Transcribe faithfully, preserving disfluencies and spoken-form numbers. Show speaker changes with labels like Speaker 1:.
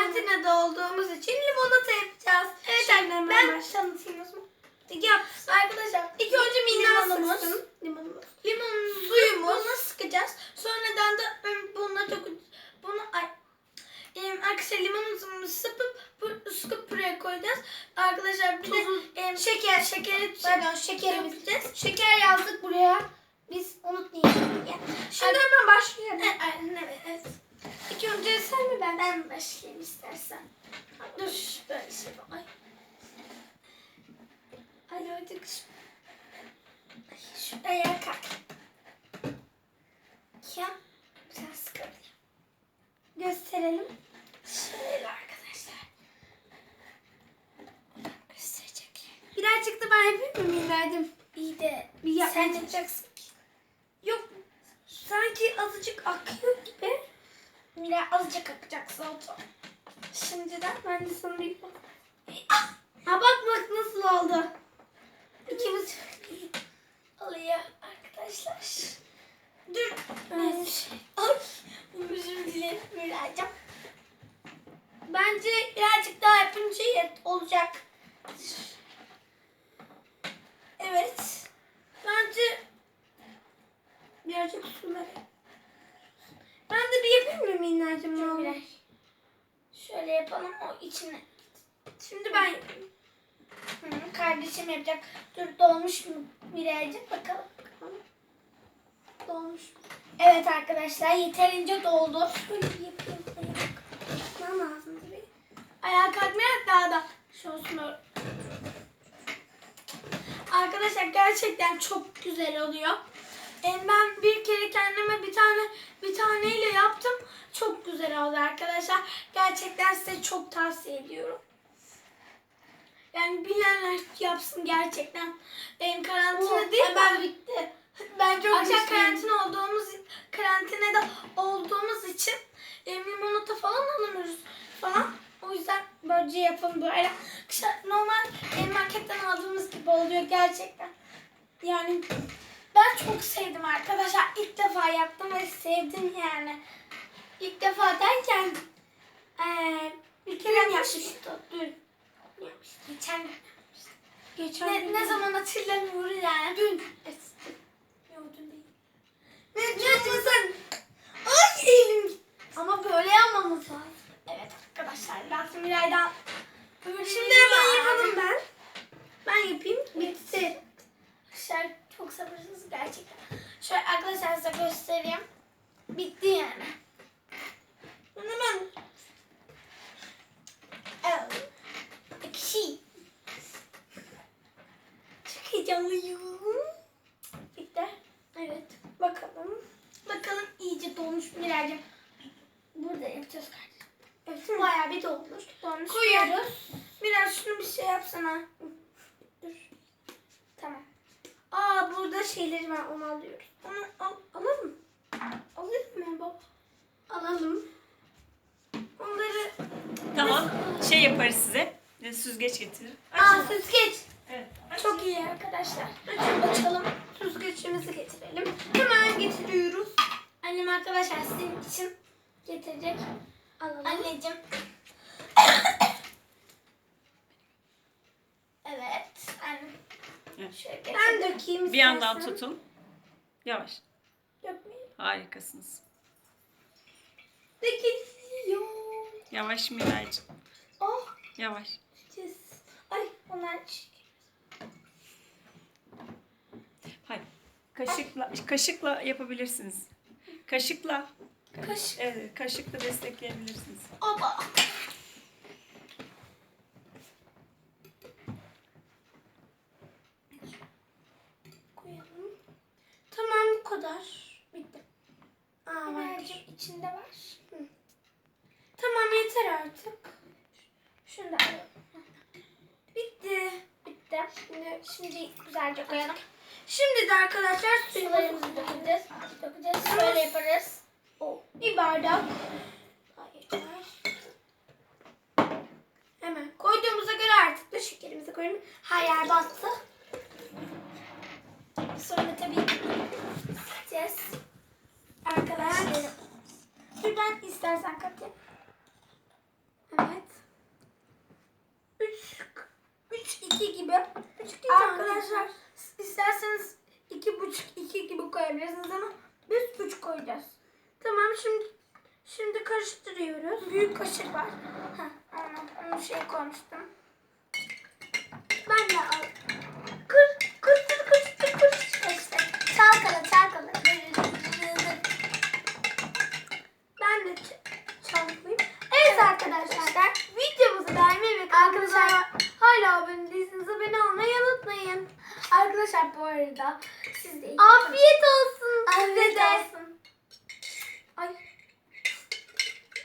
Speaker 1: karantinada olduğumuz için limonata yapacağız.
Speaker 2: Evet
Speaker 1: Şimdi
Speaker 2: annem
Speaker 1: ben
Speaker 2: ben tanıtayım o zaman.
Speaker 1: yap.
Speaker 2: Arkadaşlar
Speaker 1: İlk önce minnak
Speaker 2: limonumuz.
Speaker 1: sıksın.
Speaker 2: Limonumuz.
Speaker 1: Limon
Speaker 2: Suyumuz.
Speaker 1: Bunu sıkacağız. Sonradan da ım, bununla çok bunu ay em, arkadaşlar limonumuzu sıkıp bu, sıkıp buraya koyacağız. Arkadaşlar bir de em, şeker şekeri
Speaker 2: Pardon şekerimiz.
Speaker 1: yapacağız.
Speaker 2: Şeker yazdık buraya. Biz unutmayalım. Ya.
Speaker 1: Şimdi hemen başlayalım.
Speaker 2: Evet, aynen evet. evet.
Speaker 1: İlk önce sen mi ben?
Speaker 2: Ben başlayayım istersen.
Speaker 1: Dur böyle şey yap- Ay. Ay artık
Speaker 2: Şuraya kalk. Ya sen sıkıntı.
Speaker 1: gösterelim.
Speaker 2: Şöyle arkadaşlar. Gösterecek.
Speaker 1: Birazcık da ben yapayım mı Milay'cığım?
Speaker 2: İyi de
Speaker 1: Bir yap-
Speaker 2: sen yapacaksın ki.
Speaker 1: Yok. Sanki azıcık akıyor gibi.
Speaker 2: Mira azıcık akacak zaten.
Speaker 1: Şimdiden ben de sana bir bak. Ha bak bak nasıl oldu.
Speaker 2: İkimiz alıyor arkadaşlar.
Speaker 1: Dur.
Speaker 2: Evet. Ay, özür dilerim Miracığım.
Speaker 1: Bence
Speaker 2: Birazcık daha yapınca yet olacak. Evet.
Speaker 1: bence birazcık su ver. Ben de bir yapayım mı Minnacığım?
Speaker 2: Dur
Speaker 1: ne olur?
Speaker 2: Miray. Şöyle yapalım o içine.
Speaker 1: Şimdi ben yapayım.
Speaker 2: Hı, kardeşim yapacak. Dur dolmuş mu Miray'cığım bakalım.
Speaker 1: Dolmuş.
Speaker 2: Evet arkadaşlar yeterince doldu.
Speaker 1: Şöyle bir yapayım. Tutmam lazım tabii.
Speaker 2: Ayağa kalkmayarak daha da şu olsun öyle. Arkadaşlar gerçekten çok güzel oluyor.
Speaker 1: E, Ben bir kere kendime bir tane bir taneyle yaptım. Çok güzel oldu arkadaşlar. Gerçekten size çok tavsiye ediyorum. Yani bilenler yapsın gerçekten. Benim karantina
Speaker 2: Oh,
Speaker 1: değil
Speaker 2: hemen
Speaker 1: mi?
Speaker 2: bitti.
Speaker 1: Ben çok akşam
Speaker 2: güçlüyüm.
Speaker 1: karantina olduğumuz karantinada olduğumuz için e, limonata falan alamıyoruz falan. O yüzden böylece yapalım böyle. İşte normal e, marketten aldığımız gibi oluyor gerçekten. Yani ben çok sevdim arkadaşlar. İlk defa yaptım ve sevdim yani. İlk defa derken e, bir kere yapmıştım. Dün.
Speaker 2: Geçen
Speaker 1: Geçen
Speaker 2: ne,
Speaker 1: gün-
Speaker 2: ne zaman hatırlamıyorum yani. Dün.
Speaker 1: Yok dün değil. Ne diyorsun sen? Ay elim gitti.
Speaker 2: Ama böyle yapmamız lazım. Evet arkadaşlar. Lazım Miray'dan.
Speaker 1: Şimdi hemen yapalım ben. Ben yapayım. Bitti.
Speaker 2: Arkadaşlar çok sabırsız gerçekten. Şöyle arkadaşlar size göstereyim. Bitti yani.
Speaker 1: Ben hemen
Speaker 2: Evet. Ekşi.
Speaker 1: çok heyecanlıyım.
Speaker 2: Bitti.
Speaker 1: Evet. Bakalım.
Speaker 2: Bakalım iyice dolmuş Miray'cığım. Burada yapacağız kardeşim.
Speaker 1: Yapsın.
Speaker 2: Bayağı bir dolmuş. Dolmuş.
Speaker 1: Koyuyoruz. Biraz şunu bir şey yapsana.
Speaker 2: Dur. Tamam.
Speaker 1: Aa burada şeyleri var onu alıyoruz. Onu al, alalım. Alalım mı baba? Alalım. Onları
Speaker 3: Tamam. Şey yaparız size. E, Süzgeç getirir.
Speaker 1: aa süzgeç.
Speaker 3: Evet.
Speaker 2: Çok iyi arkadaşlar.
Speaker 1: Açın açalım. Süzgeçimizi getirelim. Hemen getiriyoruz.
Speaker 2: Annem arkadaşlar sizin için getirecek.
Speaker 1: Alalım.
Speaker 2: Anneciğim. Evet. Annem.
Speaker 3: Evet.
Speaker 2: Şöyle
Speaker 1: Ben
Speaker 2: getirdim.
Speaker 1: dökeyim
Speaker 3: Bir yandan
Speaker 1: istersen.
Speaker 3: tutun. Yavaş.
Speaker 1: Dökmeyeyim.
Speaker 3: Harikasınız.
Speaker 1: Dökülüyor.
Speaker 3: Yavaş Miraycığım.
Speaker 1: Oh.
Speaker 3: Yavaş.
Speaker 1: Cız.
Speaker 2: Ay onlar çiğ.
Speaker 3: Hayır. Kaşıkla kaşıkla yapabilirsiniz. Kaşıkla.
Speaker 2: Kaşık.
Speaker 3: Evet, kaşıkla destekleyebilirsiniz.
Speaker 2: Oba.
Speaker 1: Koyalım. Tamam bu kadar. Bitti. Aa var.
Speaker 2: Miray'cığım içinde var.
Speaker 1: Tamam yeter artık.
Speaker 2: Şunu da alalım.
Speaker 1: Bitti.
Speaker 2: Bitti. Şimdi, şimdi güzelce koyalım.
Speaker 1: Şimdi de arkadaşlar
Speaker 2: Sularımızı
Speaker 1: suyumuzu
Speaker 2: dökeceğiz. Dökeceğiz. Şöyle yaparız.
Speaker 1: o bir bardak. Hayır. Hemen koyduğumuza göre artık da şekerimizi koyalım.
Speaker 2: Her yer battı. Sonra tabii gideceğiz. Arkadaşlar. Dur ben istersen katayım.
Speaker 1: Hemen iki gibi.
Speaker 2: Üç iki tane.
Speaker 1: Arkadaşlar isterseniz iki buçuk iki gibi koyabilirsiniz ama biz üç koyacağız.
Speaker 2: Tamam şimdi şimdi karıştırıyoruz.
Speaker 1: Büyük kaşık var. Heh, onu, onu şey koymuştum.
Speaker 2: Ben de al. Kır, kırıştır, kırıştır, kırıştır.
Speaker 1: İşte çalkala çalkala.
Speaker 2: Ben de ç- çalkalayayım.
Speaker 1: Evet arkadaşlar.
Speaker 2: Videomuzu beğenmeyi ve kanalımıza
Speaker 1: Arkadaşlar-
Speaker 2: hala abone değilseniz abone olmayı unutmayın.
Speaker 1: Arkadaşlar bu arada siz de
Speaker 2: Afiyet olsun size
Speaker 1: Afiyet
Speaker 2: de.
Speaker 1: olsun.